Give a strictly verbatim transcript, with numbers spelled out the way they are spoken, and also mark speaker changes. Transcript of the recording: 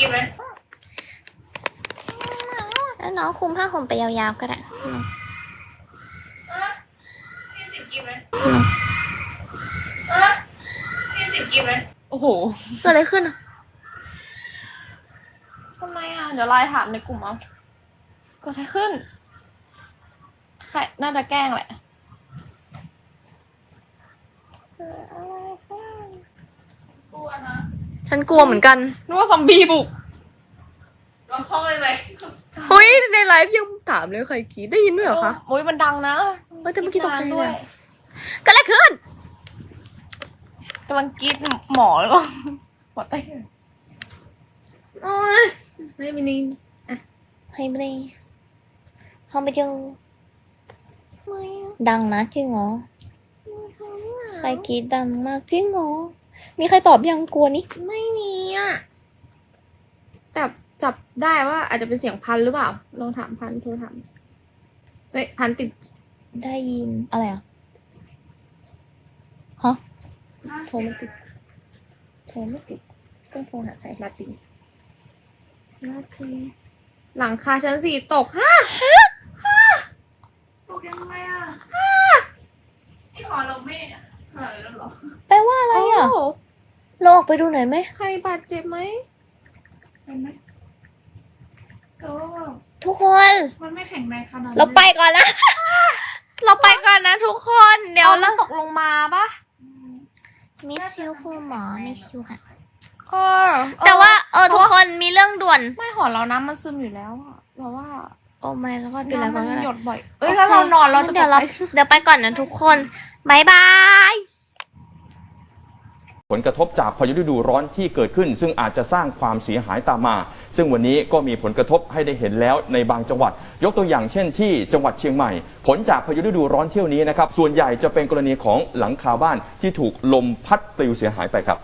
Speaker 1: กินไหม
Speaker 2: แล้วน้องคุมผ้าห่มไปยาวๆก็ได้
Speaker 1: พี่สิกินไหม
Speaker 2: น้อง
Speaker 1: พี่สิกินไหม
Speaker 3: โอ้โห
Speaker 2: เกิดอะไรขึ้นอ่ะ
Speaker 3: ทำไมอ่ะ เดี๋ยวไลน์ถามในกลุ่มเอาเกิดอะไรขึ้นใครน่าจะแกล้งแหละเกิดอะไรขึ้นกลัวนะ
Speaker 2: ฉันกลัวเหมือนกัน
Speaker 3: นึกว่าซอมบี้บุก
Speaker 1: ลองเข้าเลยไหม
Speaker 2: เฮ้ยในไลฟ์ยังถามเลยใครกรีดได้ยินด้วยเหรอคะ
Speaker 3: โอ้ยมันดังนะ
Speaker 2: เฮ้ยแต่เมื่อกี้ตกใจเลย
Speaker 3: ย
Speaker 2: เกิดอะไรขึ้น
Speaker 3: กำลังกรีดหมอเลยป่ะหมอเต้
Speaker 2: โอ้ยไม่มีนินอ่ะให้ไปเลยห้องไปเจอดังนะจริงเหรอใครกรีดดังมากจริงเหรอมีใครตอบยังกลัวนี่
Speaker 3: ไม่มีอ่ะแต่จับได้ว่าอาจจะเป็นเสียงพันหรือเปล่า ลองถามพันโทรถามเฮ้ยพันติด
Speaker 2: ได้ยินอะไรอ่ะฮะ
Speaker 3: โทรไม่ติด โทรไม่ติดต้องโทรหาใครลาตินลาตินหลังคาชั้นสี่ตกฮะ
Speaker 1: ตกยังไงอ่ะไอหอเราไม่หายแล้วหรอ
Speaker 2: แปลว่าอะไรอ่ะ
Speaker 3: โอ้
Speaker 2: เราออกไปดูหน่อยไหม
Speaker 3: ใครบาดเจ็บไหม
Speaker 1: เห็นไหมก็
Speaker 2: ทุกคน
Speaker 1: มันไม่แข็งแรงขนาดนั้น
Speaker 2: เราไปก่อนนะ เราไปก่อนนะทุกคนเดี๋ยว
Speaker 3: อา
Speaker 2: เรา
Speaker 3: ตกลงมาปะ
Speaker 2: มิสยูคือหมอมิสยูค่ะ
Speaker 3: เออ
Speaker 2: แต่ว่าเออทุกคนมีเรื่องด่วน
Speaker 3: ไม่หอเราน้ำมันซึมอยู่แล้วอะแบบว่า
Speaker 2: โอ้ไม่แล้วก็เป็นไร
Speaker 3: น้ำ
Speaker 2: ก็
Speaker 3: มัน
Speaker 2: ได้
Speaker 3: หยดบ่อย เอ้ยถ้าเรานอนเราจะ
Speaker 2: เดี๋ยวเรา
Speaker 3: ไป
Speaker 2: เดี๋ยวไปก่อนนะทุกคนบายบาย
Speaker 4: ผลกระทบจากพายุฤดูร้อนที่เกิดขึ้น ซึ่งอาจจะสร้างความเสียหายตามมา ซึ่งวันนี้ก็มีผลกระทบให้ได้เห็นแล้วในบางจังหวัด ยกตัวอย่างเช่นที่จังหวัดเชียงใหม่ ผลจากพายุฤดูร้อนเที่ยวนี้นะครับส่วนใหญ่จะเป็นกรณีของหลังคาบ้านที่ถูกลมพัดปลิวเสียหายไปครับ